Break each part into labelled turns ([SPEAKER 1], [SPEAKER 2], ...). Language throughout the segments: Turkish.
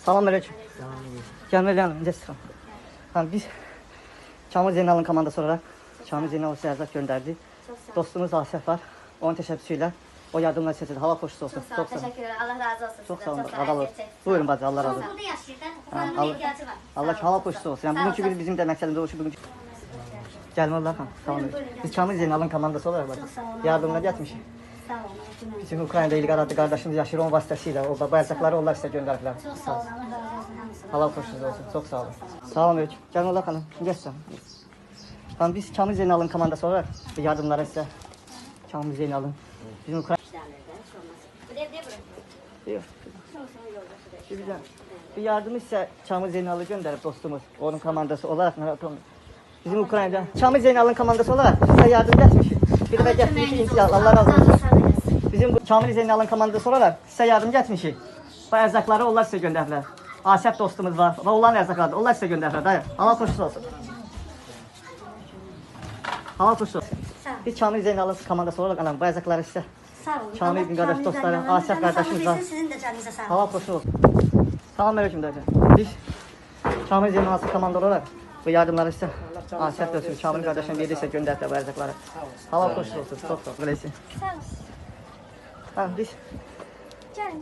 [SPEAKER 1] Selamünaleyküm. Gelmeli hanım, necəsiz? Tamam, biz Kamil Zeynal'ın komandası olarak Kamil Zeynal'ı erzak gönderdi. Dostumuz Asef var. Onun teşebbüsüyle o yardımlar seçildi. Hava koşusu olsun.
[SPEAKER 2] Çok sağ olun, teşekkür ederim. Allah razı olsun.
[SPEAKER 1] Çok sağ olun.
[SPEAKER 2] Çok
[SPEAKER 1] Allah olsun. Buyurun bacı, Allah razı olsun.
[SPEAKER 2] Burada yaşayır da, buranın ihtiyacı var.
[SPEAKER 1] Allah hava koşusu olsun. Yani bugünkü gün bizim de məqsədimiz o şu bugünkü. Gelme Allah hanım. Sağ olun. Biz Kamil Zeynal'ın komandası olarak yardımlar getmişik.
[SPEAKER 2] Sağ olun.
[SPEAKER 1] Bizim Ukrayna'da ilgi aradı kardeşimiz yaşayır onun vasıtasıyla. O bayrakları onlar size gönderdiler.
[SPEAKER 2] Çok sağ olun. Allah razı olsun.
[SPEAKER 1] Allah koşusunuz olsun. Çok sağ olun. Sağ olun. Gelme Allah hanım. Geçsin. Tamam, biz Kamil Zeynal'ın komandası olarak yardımlara size. Kamil Zeynal'ın. Bizim Ukrayna... Yok. Bir yardımı ise Kamil Zeynal'ı gönderip dostumuz. Onun komandası olarak bizim Ukrayna'da Kamil Zeynal'ın komandası olarak size yardım etmiş. Bir de getmiş inşallah. Allah razı olsun. Bizim bu Kamil Zeynal'ın komandası olarak size yardım etmiş. Bu erzakları onlar size gönderdiler. Asep dostumuz var. Ve olan erzakları onlar size gönderdiler. Dayı. Allah koşusu olsun. Hava koşusu olsun. Biz Kamil Zeynal'ın komandası olarak alalım. Bu erzakları size.
[SPEAKER 2] Sağ olun.
[SPEAKER 1] Kamil bin kardeş dostları, Asef kardeşimiz var.
[SPEAKER 2] Sizin de canınıza sağ olun.
[SPEAKER 1] Hava koşu olsun. Selamünaleyküm dayı. Biz Kamil Zeynal'ın komandası olarak bu yardımları size Asef dostumuz, Kamil kardeşim verirse gönderdi bu erzakları. Hava koşu olsun. Çok sağ olun.
[SPEAKER 2] Sağ olun.
[SPEAKER 1] Tamam biz.
[SPEAKER 2] Gelin.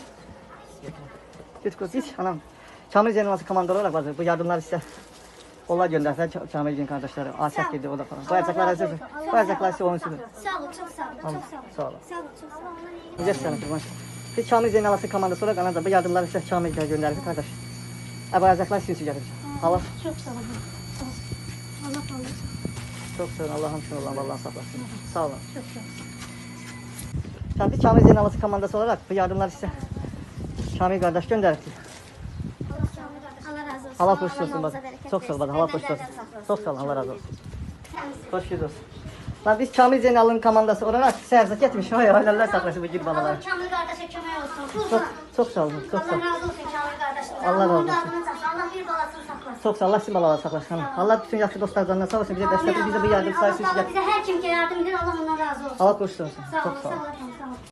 [SPEAKER 1] Biz anam. Kamil Zeynal'ın komandası olarak bu yardımları size. Onlar gönderdiler Kamil'in kardeşleri. Asef girdi o da falan. Bu erzaklar hazır. Bu erzaklar size onun için.
[SPEAKER 2] Sağ olun, çok sağ olun. Çok sağ olun.
[SPEAKER 1] Sağ olun.
[SPEAKER 2] Sağ olun, çok sağ olun.
[SPEAKER 1] Güzel canım kurban. Biz Kamil Zeynal'ın komandası olarak anada bu yardımları size Kamil'e gönderdik kardeş. Bu erzaklar sizin için geldi. Allah.
[SPEAKER 2] Çok sağ olun. Allah razı olsun.
[SPEAKER 1] Çok sağ olun. Allah'ım şunu olan Allah'ın saklasın. Sağ olun.
[SPEAKER 2] Çok sağ olun.
[SPEAKER 1] Tamam, biz Kamil Zeynal'ın komandası olarak bu yardımları size Kamil kardeş gönderdik.
[SPEAKER 2] Allah razı olsun.
[SPEAKER 1] Allah koşusu olsun bak.
[SPEAKER 2] yolunuza bereket
[SPEAKER 1] Çok sağ ol bak.
[SPEAKER 2] versin.
[SPEAKER 1] Allah koşusu olsun.
[SPEAKER 2] Benden saklasın.
[SPEAKER 1] Çok sağ olun. Allah razı olsun. Hoş geldiniz. Lan biz Kamil Zeynal'ın komandası olarak size erzak etmiş. Hay Allah saklasın bu gibi
[SPEAKER 2] Allah
[SPEAKER 1] babalar.
[SPEAKER 2] Kamil kardeşe kömək olsun.
[SPEAKER 1] Çok sağ olun. Çok sağ
[SPEAKER 2] Allah
[SPEAKER 1] olun.
[SPEAKER 2] razı olsun Kamil kardeşim.
[SPEAKER 1] Allah razı olsun.
[SPEAKER 2] Allah bir balasını saklasın.
[SPEAKER 1] Çok sağ ol. Allah sizin balalar saklasın. Allah bütün yaşlı dostlardan sağ olsun. Bize destek, bize bu yardım sayesinde.
[SPEAKER 2] Allah bize her kim ki yardım edin Allah ondan razı olsun.
[SPEAKER 1] Allah koşusu olsun.
[SPEAKER 2] Sağ
[SPEAKER 1] Çok
[SPEAKER 2] olun.
[SPEAKER 1] sağ
[SPEAKER 2] Sağ
[SPEAKER 1] olun.
[SPEAKER 2] olun.